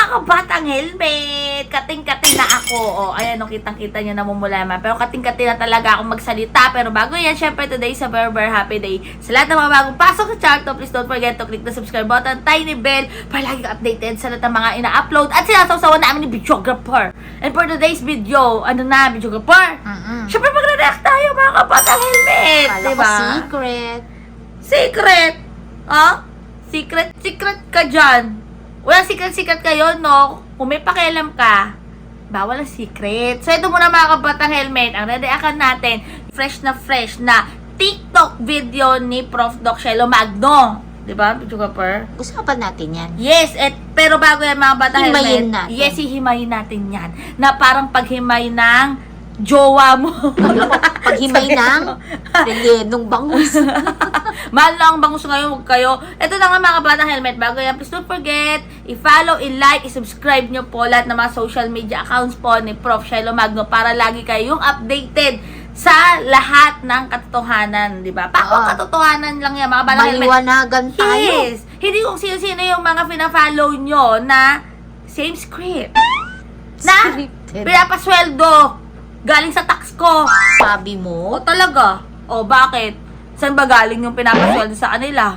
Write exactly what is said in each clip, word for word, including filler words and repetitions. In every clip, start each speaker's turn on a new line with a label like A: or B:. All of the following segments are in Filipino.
A: kabatang helmet! Kating-kating na ako. O, ayan, no, kitang-kita nyo namumulaman. Pero kating-kating na talaga ako magsalita. Pero bago yan, syempre today is a very, very happy day. Sa lahat ng mga bagong pasok sa channel, please don't forget to click the subscribe button, tiny bell, para lagi ka updated sa lahat ng mga ina-upload at sinasawsawan namin ni videographer. And for today's video, ano na, videographer?
B: Mm-mm.
A: Syempre magre-react tayo, mga kabatang helmet!
B: Kala
A: Diba?
B: ko secret.
A: Secret! Ha? Secret, secret ka dyan. Wala secret-secret kayo, no? Kung may pakialam ka, bawal ang secret. So, ito muna mga kabatang helmet. Ang redeakan natin, fresh na fresh na TikTok video ni Prof Doc Shelo Magno. Diba, videographer?
B: Usapan natin yan.
A: Yes, et, pero bago yan mga batang helmet.
B: Himayin natin.
A: Yes, hihimayin natin yan. Na parang paghimay ng jowa mo.
B: Paghimay ng relenong bangus.
A: Mahal lang ang bangus ngayon, huwag kayo. Ito na nga mga kabatang helmet. Bago yan, please don't forget, i-follow, i-like, i-subscribe nyo po lahat ng mga social media accounts po ni Prof Shelo Magno para lagi kayong updated sa lahat ng katotohanan, di ba? Pako
B: Oo.
A: katotohanan lang yan, mga kabatang helmet.
B: Maliwanagan tayo.
A: Yes! Hindi kung sino-sino yung mga pina-follow nyo na same script. Na
B: Scripted.
A: pinapasweldo galing sa tax ko.
B: Sabi mo?
A: O talaga? O bakit? Saan ba galing yung pinapasweldo sa kanila?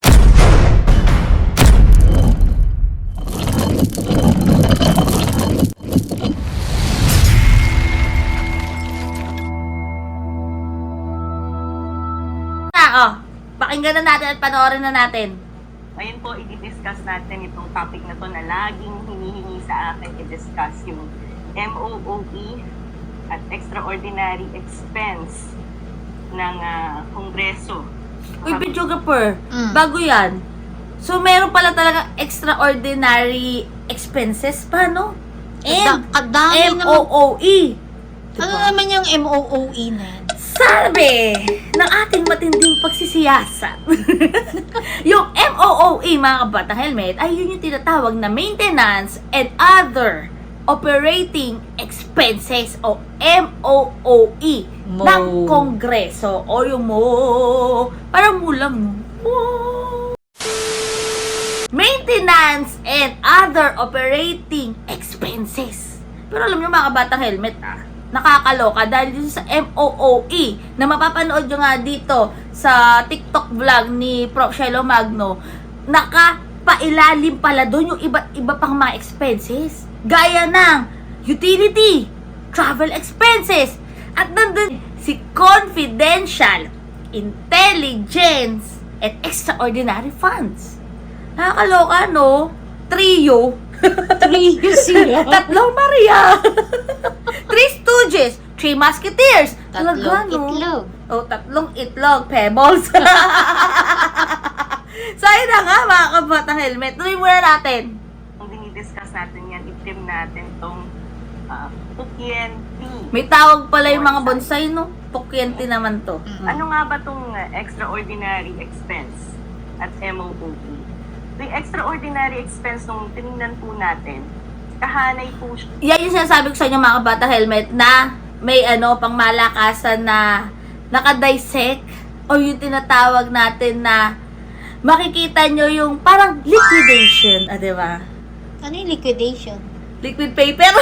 A: Ah, oh. Pakinggan na natin at panoorin na natin.
C: Ngayon po, i-discuss natin itong topic na to na laging hinihingi sa akin i-discuss yung M O O E at extraordinary expense ng ah, Kongreso.
A: Uy, videographer,
B: Mm.
A: bago yan. So, meron pala talaga extraordinary expenses pa, no?
B: Kada-
A: M,
B: kadami
A: M O
B: naman.
A: O E.
B: Ano naman yung M O O E na yan?
A: Sabi ng ating matinding pagsisiyasat. Yung M O O E, mga kabatang helmet, ay yun yung tinatawag na maintenance and other operating expenses o M O O E
B: Mo.
A: ng Kongreso o yung mo. Parang mulang mo. Mo. Maintenance and other operating expenses. Pero alam nyo mga kabatang helmet ah, nakakaloka dahil dito sa M O O E na mapapanood nyo nga dito sa TikTok vlog ni Prof Shelo Magno, nakapailalim pala doon yung iba't iba pang mga expenses gaya ng utility, travel expenses, at nandun si confidential, intelligence, and extraordinary funds. Nakakaloka, no? Trio.
B: Trio sila.
A: Tatlong Maria. Three Stooges. Three Musketeers.
B: Tatlong
A: Talaga, no?
B: itlog.
A: Oh, tatlong itlog. Pebbles. So, ayun na nga, mga kabatang helmet. Tuloy muna natin.
C: Kung dinidiscuss natin yan, i-trim natin tong uh, Pukyenti.
A: May tawag pala yung mga bonsai, no? Pukyenti naman to.
C: Ano nga ba tong uh, extraordinary expense at M O O E? So, yung extraordinary expense nung tinignan po natin, kahanay po siya
A: Yan yung sinasabi ko sa inyo mga kabata helmet na may ano pang malakasan na nakadissect o yung tinatawag natin na makikita nyo yung parang liquidation, ah, di ba?
B: Ano yung liquidation?
A: Liquid paper.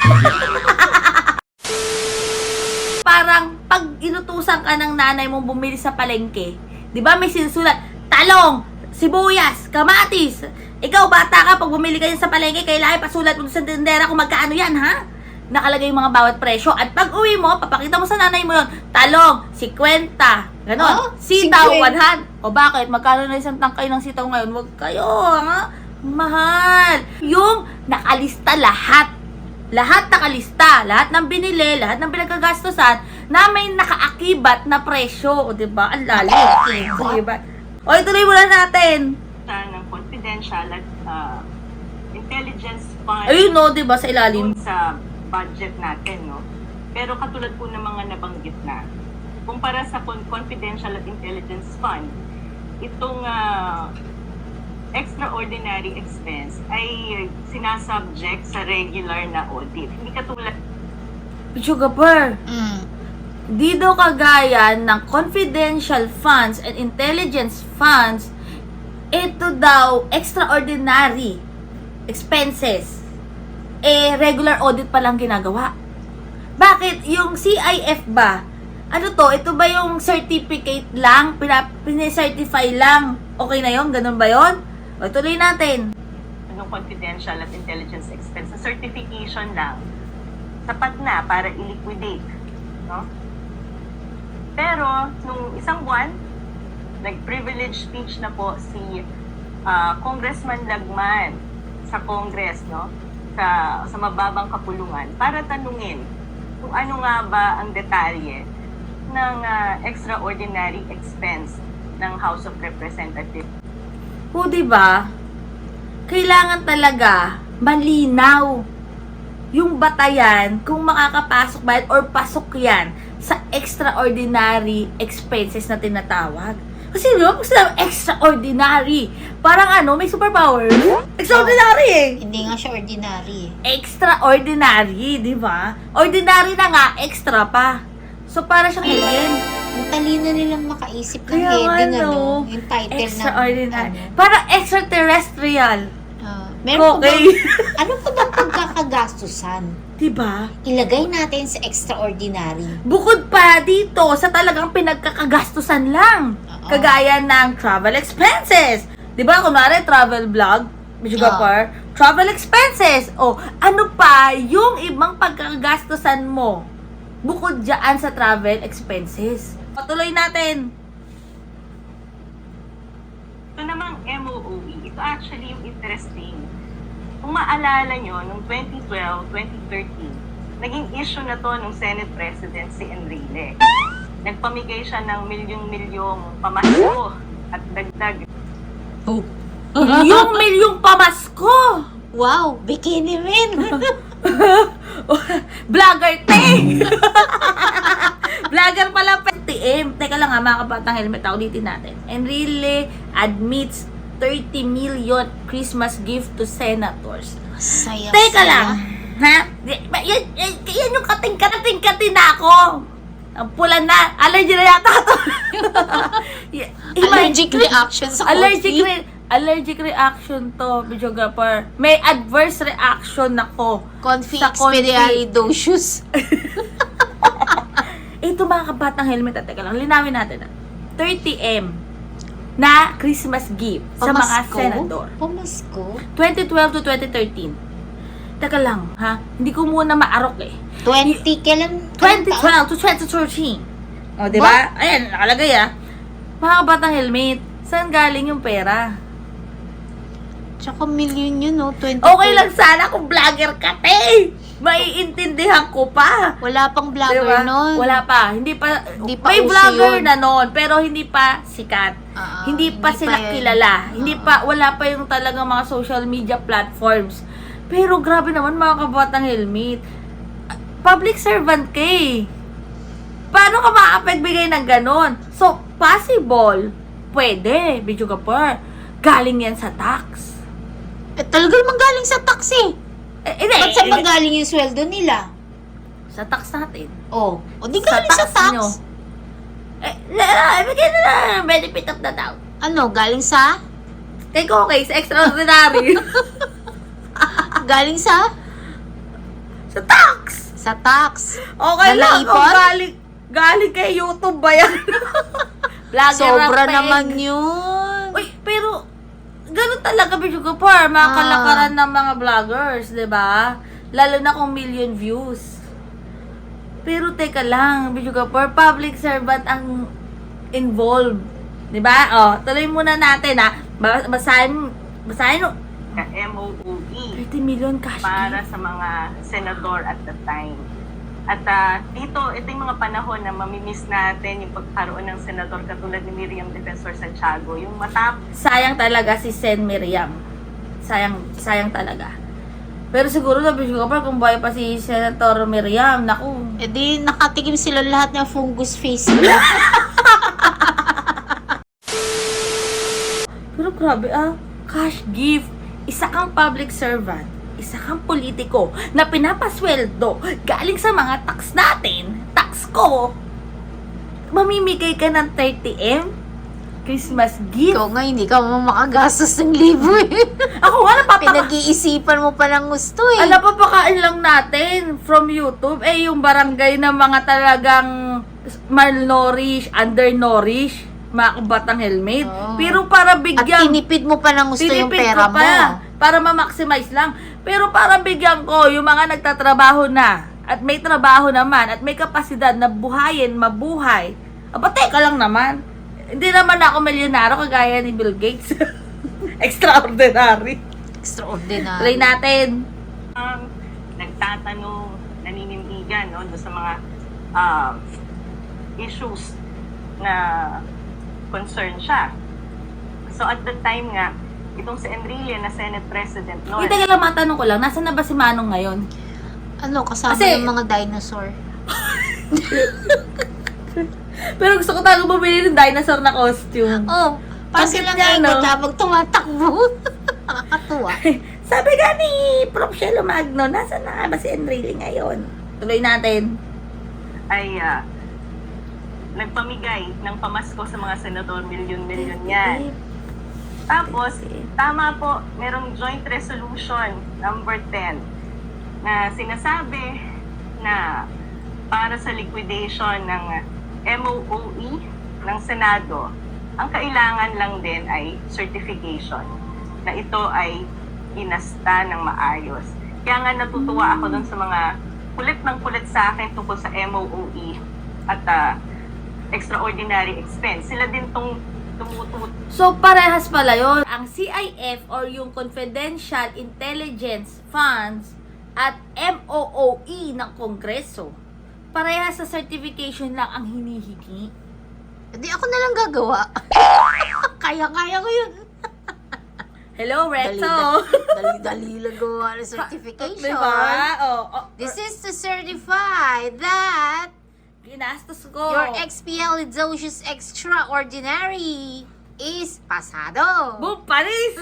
A: Parang pag inutusan ka ng nanay mong bumili sa palengke, di ba may sinusulat, talong, sibuyas, kamatis. Ikaw, bata ka, pag bumili kayo sa palengke, kailangan pasulat mo sa tindera kung magkaano yan, ha? Nakalagay yung mga bawat presyo. At pag uwi mo, papakita mo sa nanay mo yun, talong, fifty, ganon.
B: Oh,
A: Sitaw,
B: fifty.
A: one hundred. O bakit? Magkano na isang tangkay ng sitaw ngayon? Huwag kayo, ha? Mahal. Yung nakalista lahat. Lahat nakalista. Lahat ng binili, lahat ng pinagkagastusan na may nakaakibat na presyo. O, diba? Ang lalim.
B: Nakaakibat?
A: Diba? O, ituloy muna natin.
C: ng confidential at uh, intelligence fund
A: Ayun, no, diba? Sa ilalim.
C: dun sa budget natin, no? Pero katulad po ng mga nabanggit na, kumpara sa con- confidential at intelligence fund, itong uh, extraordinary expense ay sinasubject sa regular na audit. Hindi katulad
A: Sugar
B: Mm.
A: di daw kagaya ng confidential funds and intelligence funds, ito daw extraordinary expenses, eh, regular audit pa lang ginagawa. Bakit? Yung C I F ba? Ano to? Ito ba yung certificate lang? Pina- Pine-certify lang? Okay na yon? Ganun ba yon? O, tuloy natin.
C: Yung confidential at intelligence expense, sa certification lang, sapat na para i-liquidate. No? Pero, nung isang buwan, nag-privilege speech na po si ah, Congressman Lagman sa Congress, no? Sa, sa mababang kapulungan, para tanungin kung ano nga ba ang detalye ng ah, extraordinary expense ng House of Representatives.
A: O, diba? Kailangan talaga malinaw yung batayan kung makakapasok ba yan or pasok yan sa extraordinary expenses na tinatawag. Kasi di ba, pag sinabi extraordinary, parang ano, may superpower. Extraordinary eh.
B: Hindi nga siya ordinary.
A: Extraordinary, di ba? Ordinary na nga, extra pa. So, para siyang alien.
B: Ang talino nilang makaisip ng
A: Kaya nga,
B: heading,
A: no?
B: ano, yung title ng,
A: Extraordinary.
B: ano.
A: Parang extraterrestrial.
B: Ah, meron pa
A: Okay.
B: bang, ano pa bang pagkakagastusan?
A: Diba?
B: Ilagay natin sa extraordinary.
A: Bukod pa dito sa talagang pinagkakagastusan lang.
B: Oo.
A: Kagaya ng travel expenses. Di ba? Kunwari, travel vlog, medyo
B: Oo.
A: gapar, travel expenses. O, ano pa yung ibang pagkakagastusan mo bukod dyan sa travel expenses? Patuloy natin.
C: Ito namang M O O E, ito actually yung interesting. Kung maalala nyo, noong twenty twelve, twenty thirteen, naging issue na to ng Senate President si Enrile. Nagpamigay siya ng milyong-milyong pamasko at dagdag.
B: Oh.
A: Yung milyong pamasko.
B: Wow, bikini men.
A: Vlogger te! Vlogger pala pa. T M. Teka lang ha, mga kabatang helmet. Ulitin natin. Enrile admits thirty million Christmas gift to senators.
B: Saya,
A: Teka
B: saya.
A: lang. Ha? Yan, yan, yan yung kating-kating-kating na ako. Ang pula na. Allergy na yata to. Yeah,
B: Allergic reaction sa
A: Allergic
B: coffee.
A: re- allergic reaction to, videographer. May adverse reaction ako.
B: Confi
A: Sa confi.
B: expedialidocious.
A: Ito mga kabatang helmet, at teka lang, linawin natin. ah. thirty M na Christmas gift sa mga
B: Pamasko?
A: senador.
B: Pamasko?
A: twenty twelve to twenty thirteen. Teka lang, ha? Hindi ko muna maarok eh.
B: twenty, kailan?
A: twenty
B: kailan
A: twelve to twenty thirteen. O, di ba? Ayan, nakalagay ah. Mga kabatang helmet, saan galing yung pera?
B: taon? Tsaka million yun, no? twenty
A: Okay lang sana kung vlogger ka, te! Maiintindihan ko pa.
B: Wala pang vlogger
A: Diba?
B: nun.
A: Wala pa. Hindi pa,
B: Hindi pa
A: may
B: uso
A: vlogger
B: yun.
A: na noon, pero hindi pa sikat.
B: Ah,
A: hindi pa
B: hindi
A: sila
B: pa yun.
A: kilala.
B: Ah.
A: Hindi pa, wala pa yung talagang mga social media platforms. Pero grabe naman mga kabatang helmet. Public servant ka eh. Paano ka ma-affect bigay ng ganon? So, possible. Pwede, video ka pa. Galing yan sa tax.
B: Eh, talaga naman galing sa tax eh.
A: Eh, hindi.
B: Ba't saan
A: eh,
B: ba galing yung sweldo nila?
A: Sa tax natin.
B: Oh, o di galing sa tax.
A: nyo. Eh, na, bigyan na lang ng benefit of the doubt.
B: Ano, galing sa?
A: Take okay, sa extraordinary.
B: Galing sa?
A: Sa tax!
B: Sa tax.
A: Okay
B: Na
A: lang,
B: naipon?
A: kung galing, galing kay YouTube ba yan? Vlogger
B: Sobra
A: ang
B: naman
A: peg.
B: yun.
A: Uy, pero, ganun talaga, Bidyo Kapar, mga
B: Ah.
A: kalakaran ng mga vloggers, di ba? Lalo na kung million views. Pero teka lang, Bidyo Kapar, public servant ang involved. Di ba? O, tuloy muna natin, ha? Ba- Basahin, basahin, mo.
C: Ka M O O E
A: thirty million cash
C: para
A: gift.
C: sa mga senador at the time. At ah, dito, ito yung mga panahon na mamimiss natin yung pagkaroon ng senador katulad ni Miriam Defensor Santiago. Yung matap
A: Sayang talaga si Sen Miriam. Sayang, sayang talaga. Pero siguro na Bidyo Kapar, kung buhay pa si Senator Miriam, naku,
B: E di, nakatikim sila lahat ng fungus face nila.
A: pero grabe ah, cash gift. Isa kang public servant, isa kang politiko na pinapasweldo galing sa mga tax natin, tax ko. Mamimigay ka ng thirty M? Christmas gift.
B: Ikaw nga, hindi ka mo makagastos ng libo eh.
A: Ako nga, napapaka...
B: Pinag-iisipan mo pa lang gusto eh.
A: Ala, papakain lang natin from YouTube. Eh, yung barangay ng mga talagang malnourished, undernourished, mga kabatang helmet.
B: Oo.
A: Pero para
B: At
A: bigyan...
B: tinipid mo pa ng gusto yung
A: tinipid
B: pera
A: ko
B: mo.
A: pa, para ma-maximize lang. Pero para bigyan ko yung mga nagtatrabaho na, at may trabaho naman, at may kapasidad na buhayin, mabuhay. Aba, teka lang naman. Hindi naman ako milyonaryo kagaya ni Bill Gates. Extraordinary.
B: Extraordinary.
A: Try natin.
C: Um, nagtatanong, naninindigan no, doon sa mga um, issues na concern siya. So at the time nga, itong si Enrile na Senate President noon,
A: Hindi ka lang matanong ko lang, nasaan na ba si Manong ngayon?
B: Ano, kasama
A: Kasi-
B: yung mga dinosaur.
A: Pero gusto ko talaga bumili ng dinosaur na costume.
B: Oh, parang
A: Bakit
B: silang
A: nga,
B: ikot
A: no?
B: habang tumatakbo. Nakakatuwa.
A: Sabi nga ni Prof Shelo Magno, nasaan na nga ba si Enrile ngayon? Tuloy natin.
C: ay ah, nagpamigay ng pamasko sa mga senador, milyon-milyon yan. Tapos, tama po, merong joint resolution number ten na sinasabi na para sa liquidation ng M O O E ng Senado, ang kailangan lang din ay certification na ito ay inasta ng maayos. Kaya nga natutuwa ako dun sa mga kulit ng kulit sa akin tungkol sa M O O E at ah, extraordinary expense. Sila din tong tumutut
A: So, parehas pala yon. Ang C I F or yung Confidential Intelligence Funds at M O O E ng Kongreso, parehas sa certification lang ang hinihingi.
B: Hindi ako na lang gagawa. Kaya-kaya ko yun.
A: Hello, Reto!
B: Dali-dali lang gawa ng certification.
A: Diba? Oh, oh,
B: This is to certify that
A: ginastos ko.
B: your expialidocious extraordinary is pasado.
A: Boom, Paris!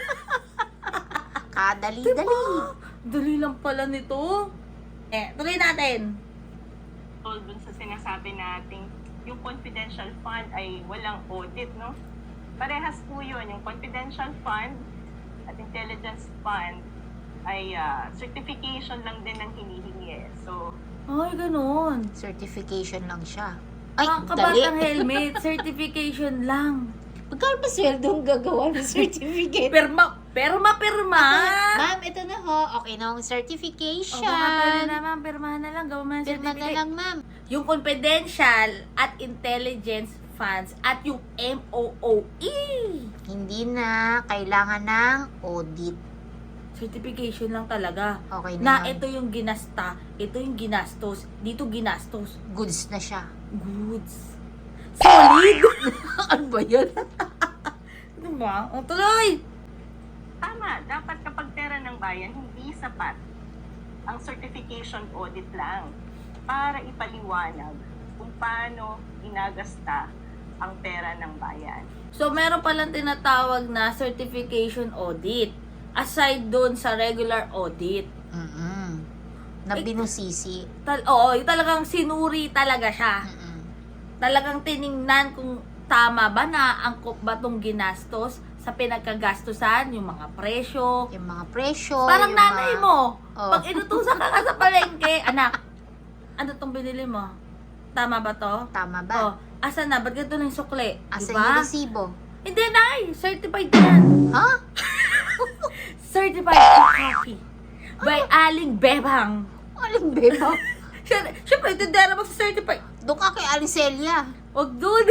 B: Kadali-dali.
A: Diba? Dali lang pala nito. Eh, tuloy natin.
C: tol dun sa sinasabi nating yung confidential fund ay walang audit, no? Parehas po yun. Yung confidential fund at intelligence fund ay ah, certification lang din ang hinihingi. eh. So,
A: Ay, ganun.
B: Certification lang siya. Ay,
A: Ang
B: dali.
A: kabatang helmet, certification lang.
B: Magkano ba sweldo ang gagawa ng certificate?
A: Perma, perma, perma.
B: Ma'am, ito na ho. Okay na ang
A: O
B: certification.
A: baka pwede naman, permahan na lang, gawin mo ng
B: Pirma na
A: certificate.
B: lang, ma'am.
A: Yung confidential at intelligence funds at yung M O O E.
B: Hindi na kailangan ng audit.
A: Certification lang talaga.
B: Okay
A: Na
B: na, yun.
A: ito yung ginasta, ito yung ginastos, dito ginastos.
B: Goods na siya.
A: Goods. Solid!
B: Ano ba yun?
A: Ano ba? O, tuloy!
C: tama. Dapat kapag pera ng bayan, hindi sapat ang certification audit lang para ipaliwanag kung paano inagasta ang pera ng bayan.
A: So, meron palang tinatawag na certification audit. Aside doon sa regular audit.
B: Mm-mm. Na binusisi.
A: Tal oo, yung talagang sinuri talaga siya.
B: Mm-mm.
A: Talagang tiningnan kung tama ba na angkop ba tong ginastos sa pinagkagastusan, yung mga presyo.
B: Yung mga presyo.
A: Parang
B: yung
A: nanay
B: mga...
A: mo,
B: Oh.
A: pag inutusan ka ka sa palengke, anak, ano tong binili mo? Tama ba to?
B: Tama ba?
A: Oh, asa na? Ba't ganito na yung sukli?
B: Asa
A: Diba?
B: yung resibo?
A: Hindi, nay! Certified yan!
B: Ha?
A: Certified and copy by Aling Bebang.
B: Aling beba?
A: Siyempre, siyempre, tindera mo sa certified.
B: Doon ka kay Alicelia.
A: Huwag dun.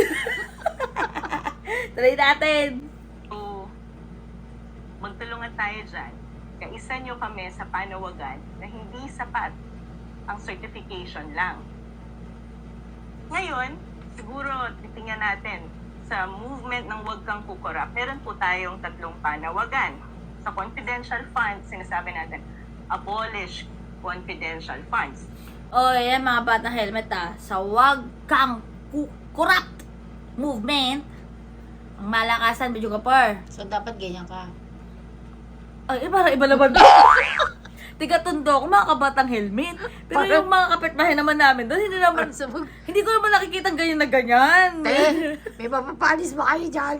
A: Try natin.
C: So, magtulungan tayo dyan. Kaisa nyo kami sa panawagan na hindi sapat ang certification lang. Ngayon, siguro titingnan natin sa movement ng Huwag Kang Kukurap, meron po tayong tatlong panawagan. Sa confidential funds, sinasabi natin, abolish confidential funds.
A: O, yan mga batang helmet ah. Sa Wag Kang Kukurap movement, ang malakasan, Bidyo Kapar.
B: So, dapat ganyan ka.
A: Ay, eh, para iba naman. tiga-tondo ako, mga kabatang helmet. Pero
B: Parang-
A: yung mga kapitbahay naman namin doon, hindi naman,
B: Parang sa mag-
A: hindi ko naman nakikita ganyan na ganyan.
B: Te, may mapapalis ba kayo dyan?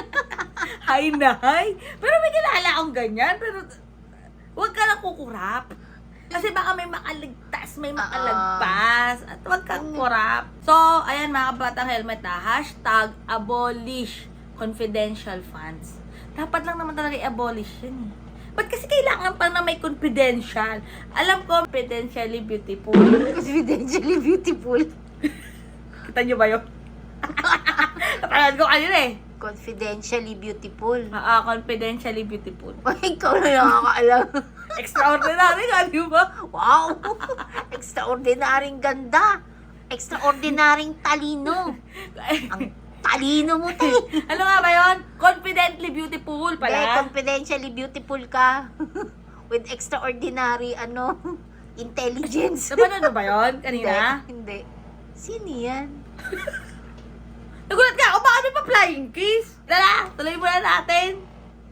A: Hi na hi. Pero may kilala akong ganyan. Pero huwag ka lang kukurap. Kasi baka may makaligtas, may makalagpas. At huwag kang kurap. So, ayan mga kabatang helmet ha. Hashtag abolish confidential funds. Dapat lang naman talaga i-abolish yun eh. Ba't kasi kailangan pa na may confidential? Alam ko, confidentially beautiful.
B: Confidentially beautiful.
A: Kita nyo ba yun? Napanood ko kanina eh.
B: Confidentially beautiful.
A: Ah, ah, confidentially beautiful.
B: Ay, ikaw na nakakaalam.
A: Extraordinary nga, di ba?
B: Wow! Extraordinaryong ganda. Extraordinaryong talino. Ang talino mo, te.
A: Ano nga ba yun? Confidently beautiful
B: Hindi,
A: pala.
B: confidentially beautiful ka. With extraordinary, ano, intelligence.
A: Napanood mo ba yun kanina?
B: Hindi. Hindi. Sino yan?
A: Nagulat ka ako, baka may pa-flying kiss. Tara, tuloy muna natin.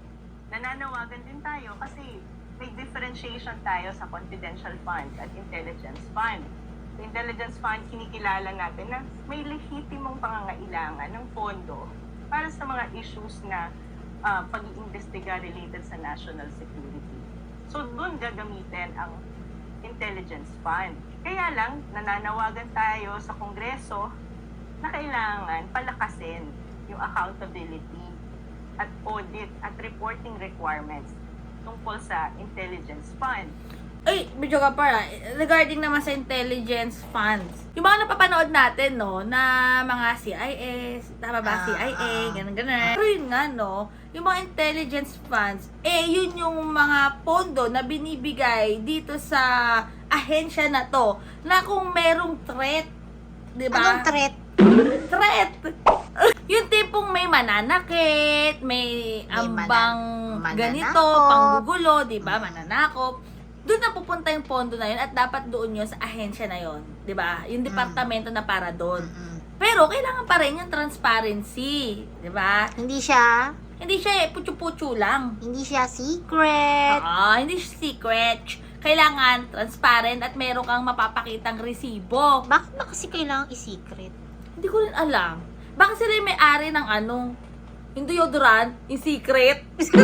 C: Nananawagan din tayo kasi may differentiation tayo sa confidential fund at intelligence fund. Sa intelligence fund, kinikilala natin na may lehitimong pangangailangan ng pondo para sa mga issues na uh, pag-iimbestiga related sa national security. So doon gagamitin ang intelligence fund. Kaya lang, nananawagan tayo sa Kongreso na kailangan palakasin yung accountability at audit at reporting requirements tungkol sa intelligence fund.
A: Ay, medyo ka para, regarding naman sa intelligence funds. Yung mga napapanood natin, no, na mga C I S, tama ba,
B: Ah,
A: C I A,
B: ah.
A: ganun, ganun. Pero yun nga, no, yung mga intelligence funds, eh, yun yung mga pondo na binibigay dito sa ahensya na to, na kung merong threat, di ba?
B: Anong threat?
A: Threat! Yung tipong may mananakit, may
B: May
A: ambang
B: mana-
A: ganito,
B: mananakop.
A: panggugulo, di ba? Mananakop. Doon na pupunta yung pondo na yun at dapat doon yun sa ahensya na yun. Di ba? Yung departamento na para doon.
B: Mm-mm.
A: Pero kailangan pa rin yung transparency. Di ba?
B: Hindi siya,
A: Hindi siya eh, putyo-putyo lang.
B: hindi siya secret.
A: Ah, hindi siya secret. Kailangan transparent at meron kang mapapakitang resibo.
B: Bakit ba kasi kailangang i-secret?
A: Hindi ko rin alam. Baka sila yung may-ari ng ano, yung deodorant, yung secret.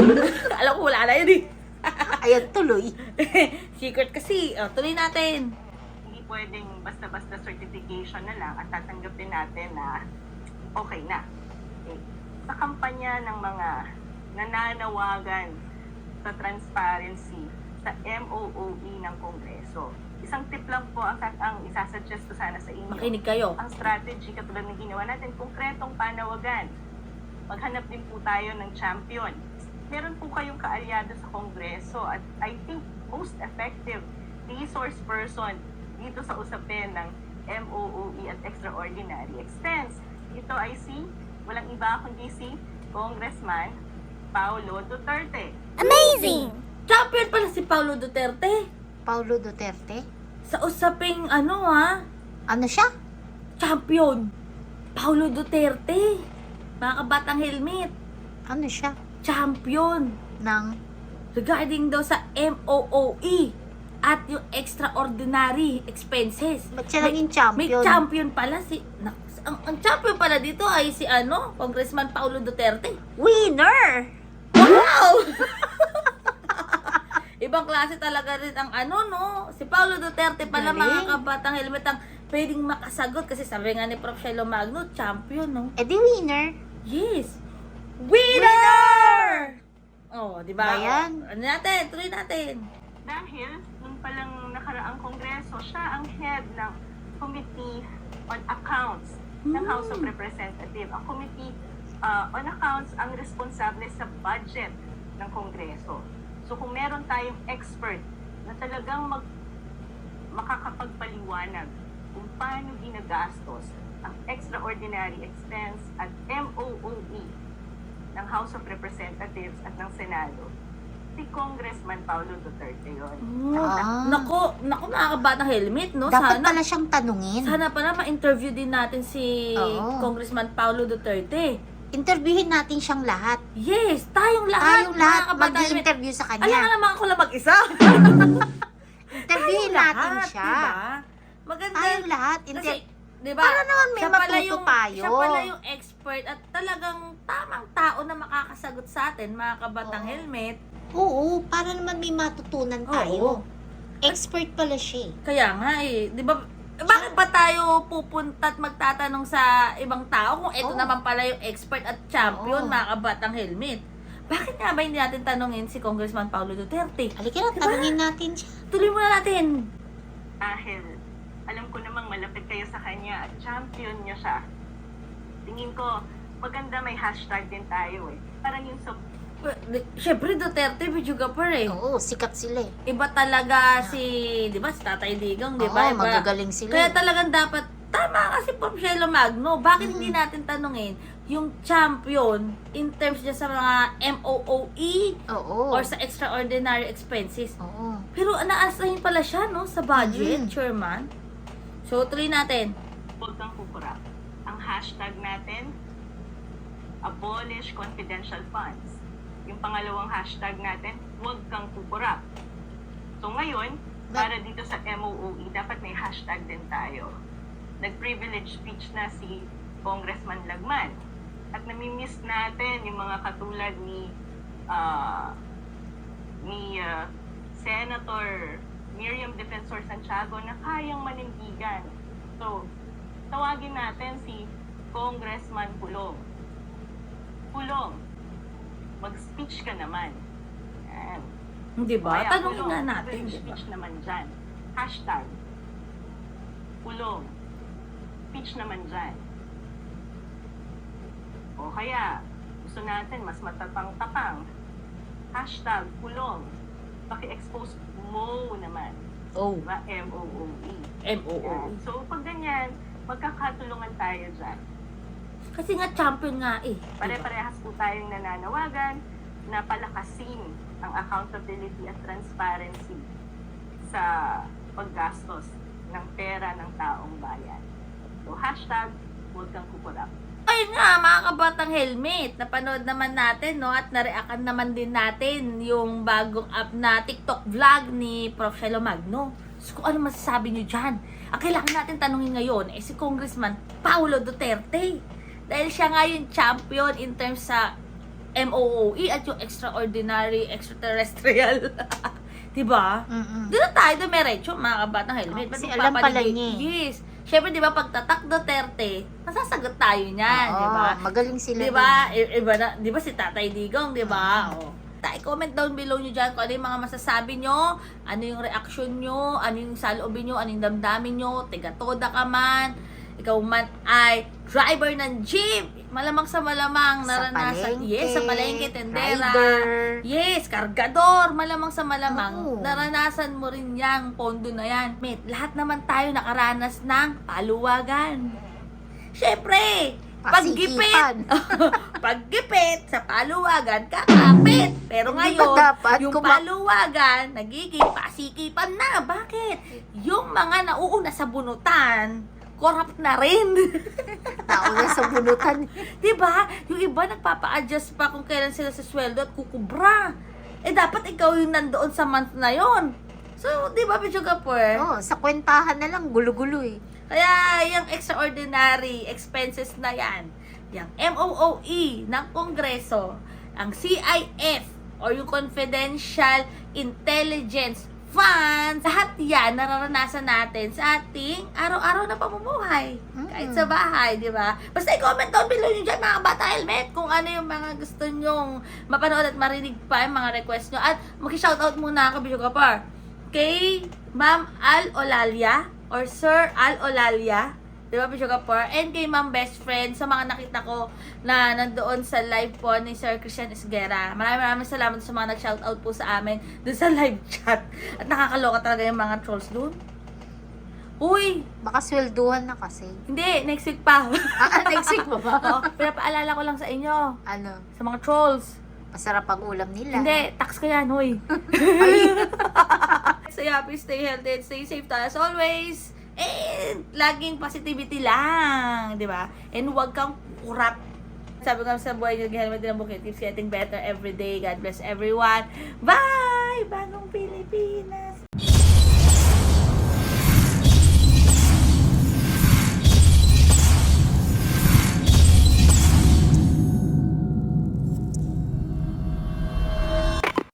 A: Alam ko wala na yun eh.
B: Ayan, tuloy.
A: Secret kasi. O, tuloy natin.
C: Hindi pwedeng basta-basta certification na lang at tatanggapin natin na okay na. Okay. Sa kampanya ng mga nananawagan sa transparency sa M O O E ng Kongreso, isang tip lang po ang, ang isasuggest ko sana sa inyo.
A: Makinig kayo.
C: Ang strategy katulad ng ginawa natin, konkretong panawagan. Maghanap din po tayo ng champion. Meron po kayong kaalyado sa Kongreso at I think most effective resource person dito sa usapin ng M O O E at extraordinary expense. Ito ay si, walang iba kundi si Congressman Paulo Duterte.
A: Champion pala si Paulo Duterte.
B: Paulo Duterte?
A: Sa usaping ano ha,
B: Ano siya?
A: champion. Paulo Duterte. Mga kabatang helmet.
B: Ano siya?
A: Champion.
B: Ng
A: Regarding daw sa M O O E at yung extraordinary expenses.
B: ba't siya
A: May-
B: naging champion?
A: May champion pala si... na- ang, ang champion pala dito ay si ano, Congressman Paulo Duterte.
B: Winner!
A: Wow! Ibang klase talaga rin ang ano, no? Si Paulo Duterte pala,
B: Galing.
A: mga kabatang helmet, ang pwedeng makasagot kasi sabi nga ni Prof Shelo Magno, champion, no?
B: Eh di winner.
A: Yes! Winner! Oh, di ba?
B: Ba yan?
A: Ano natin? Tuloy natin.
C: Dahil nung palang nakaraang kongreso, siya ang head ng Committee on Accounts ng House of Representatives. Ang Committee uh, on Accounts ang responsable sa budget ng kongreso. So kung meron tayong expert na talagang mag, makakapagpaliwanag kung paano ginagastos ang extraordinary expense at M O O E ng House of Representatives at ng Senado, si Congressman Paulo Duterte yun.
A: Oh,
B: Ah.
A: Nako, nako mga kabatang helmet, no?
B: Dapat
A: Sana,
B: pala siyang tanungin.
A: sana pala ma-interview din natin si
B: Oo.
A: Congressman Paulo Duterte.
B: Interviewin natin siyang lahat.
A: Yes, tayong lahat.
B: Tayong lahat
A: mga kabatang helmet.
B: mag-i-interview sa
A: Alam
B: kanya.
A: nga naman ako lang mag-isa.
B: natin
A: lahat,
B: siya.
A: Diba? Maganda.
B: Tayong lahat. Hindi,
A: Kasi, diba?
B: para naman may
A: siya pala
B: matuto
A: yung,
B: tayo.
A: Siya pala yung expert at talagang tamang tao na makakasagot sa atin, mga kabatang
B: Oo.
A: helmet.
B: Oo, para naman may matutunan tayo.
A: Oo.
B: Expert pala siya eh.
A: Kaya nga eh, di ba? Bakit ba tayo pupunta at magtatanong sa ibang tao kung ito
B: Oo.
A: naman pala yung expert at champion,
B: Oo.
A: mga kabatang helmet? Bakit nga ba hindi natin tanungin si Congressman Paulo Duterte?
B: Halika na,
A: Diba?
B: tanungin natin siya.
A: Tuloy muna natin.
C: Dahil alam ko namang malapit kayo sa kanya at champion niya siya. Tingin ko, maganda may hashtag din tayo eh. Parang yung sa
A: Siyempre, Duterte, videographer eh.
B: Oo, sikat sila eh.
A: Iba talaga si, di ba, si Tatay Digong, di ba?
B: Oo,
A: Iba-
B: magagaling sila.
A: Kaya
B: eh.
A: talagang dapat, tama kasi po Shelo Magno, bakit
B: Mm.
A: hindi natin tanungin yung champion in terms niya sa mga M O O E
B: Oo.
A: or sa extraordinary expenses.
B: Oo.
A: Pero na-assign pala siya, no, sa budget,
B: Mm.
A: chairman. So, tuloy natin.
C: huwag kang kukurap. Ang hashtag natin, abolish confidential funds. Yung pangalawang hashtag natin, huwag kang kukurap. So ngayon, para dito sa M O O E, dapat may hashtag din tayo. Nag-privilege speech na si Congressman Lagman. At namimiss natin yung mga katulad ni ah, ni ah, Senator Miriam Defensor Santiago na kayang manindigan. So, tawagin natin si Congressman Pulong. Pulong, mag-speech ka naman. Yan.
A: Di ba?
C: Kaya,
A: Tanungin
C: Pulong,
A: nga natin,
C: mag-
A: di ba?
C: speech naman dyan. Hashtag, Pulong, speech naman dyan. O kaya, gusto natin mas matatang-tapang. Hashtag, Pulong, paki-expose mo naman.
A: Oh,
C: Diba? M O O E.
A: M O O
C: Yan.
A: E.
C: So, pag ganyan, magkakatulungan tayo dyan.
A: Kasi nga champion nga eh. Diba?
C: Pare-parehas po tayong nananawagan na palakasin ang accountability at transparency sa paggastos ng pera ng taong bayan. So, hashtag, huwag kang kukurap.
A: Ayun nga, mga kabatang helmet, napanood naman natin, no, at nareakan naman din natin yung bagong app na TikTok vlog ni Prof Shelo Magno. So, kung ano masasabi nyo dyan? Ang kailangan natin tanungin ngayon ay si Congressman Paulo Duterte. Dahil siya nga yung champion in terms sa M O O E at yung extraordinary extraterrestrial. Diba?
B: Mm-mm.
A: Dito tayo dumiretso, mga kabatang helmet.
B: Oh, kasi
A: Ba't
B: alam pala
A: magpapaligid?
B: niya eh.
A: Yes. Siyempre, di ba, pagtatak Duterte, masasagot tayo niyan,
B: Oo,
A: di ba?
B: magaling sila.
A: Di ba? I- Iba na, di ba si Tatay Digong, di ba? Oh. Tayo, comment down below nyo dyan kung ano yung mga masasabi nyo, ano yung reaction nyo, ano yung saloobin nyo, ano yung damdamin nyo, tiga-toda ka man, ikaw man ay driver ng jeep, malamang sa malamang
B: Sa
A: naranasan,
B: palengke,
A: yes, sa palengke, tendera,
B: rider.
A: yes, kargador, malamang sa malamang,
B: Oo.
A: naranasan mo rin yang pondo na yan. Mate, lahat naman tayo nakaranas ng paluwagan. Siyempre, paggipit,
B: Pasikipan.
A: paggipit sa paluwagan, kakapit. Pero
B: Hindi
A: ngayon,
B: ba dapat
A: yung
B: kuma-
A: paluwagan, nagiging pasikipan na. Bakit? Yung mga nauuna sa bunutan, corrupt na rin.
B: Nauna sa bunutan.
A: Diba? Yung iba nagpapa-adjust pa kung kailan sila sa sweldo at kukubra. Eh, dapat ikaw yung nandoon sa month na yon. So, di ba, Pichu Kapur?
B: Oo, sa kwentahan na lang, gulo-gulo eh.
A: Kaya, yung extraordinary expenses na yan, yung M O O E ng Kongreso, ang C I F, or yung Confidential Intelligence Funds, lahat yan nararanasan natin sa ating araw-araw na pamumuhay.
B: Mm.
A: Kahit sa bahay, di ba? Basta i-comment down below nyo dyan, mga bata helmet, kung ano yung mga gusto nyong mapanood at marinig pa yung mga request nyo. At mag-shoutout muna ako, Bicho Kapar, kay Ma'am Al Olalia, or Sir Al Olalia, di ba, Bicho Kapar? And kay Ma'am Best Friend, sa mga nakita ko na nandoon sa live po ni Sir Christian Esguera. Maraming maraming salamat sa mga nag-shoutout po sa amin doon sa live chat. At nakakaloka talaga yung mga trolls doon. Uy,
B: Baka swelduhan na kasi.
A: hindi, next week pa.
B: Ah, next week pa ba?
A: Oo, pinapaalala ko lang sa inyo,
B: Ano?
A: sa mga trolls.
B: Masarap ang ulam nila.
A: Hindi, tax ka yan, huy. Stay happy, stay healthy, and stay safe tayo as always. And laging positivity lang, di ba? And huwag kang kurap. Sabi ko nga sa buhay niyo, helmet din ang bukit. Keeps getting better every day. God bless everyone. Bye! Bagong Pilipinas!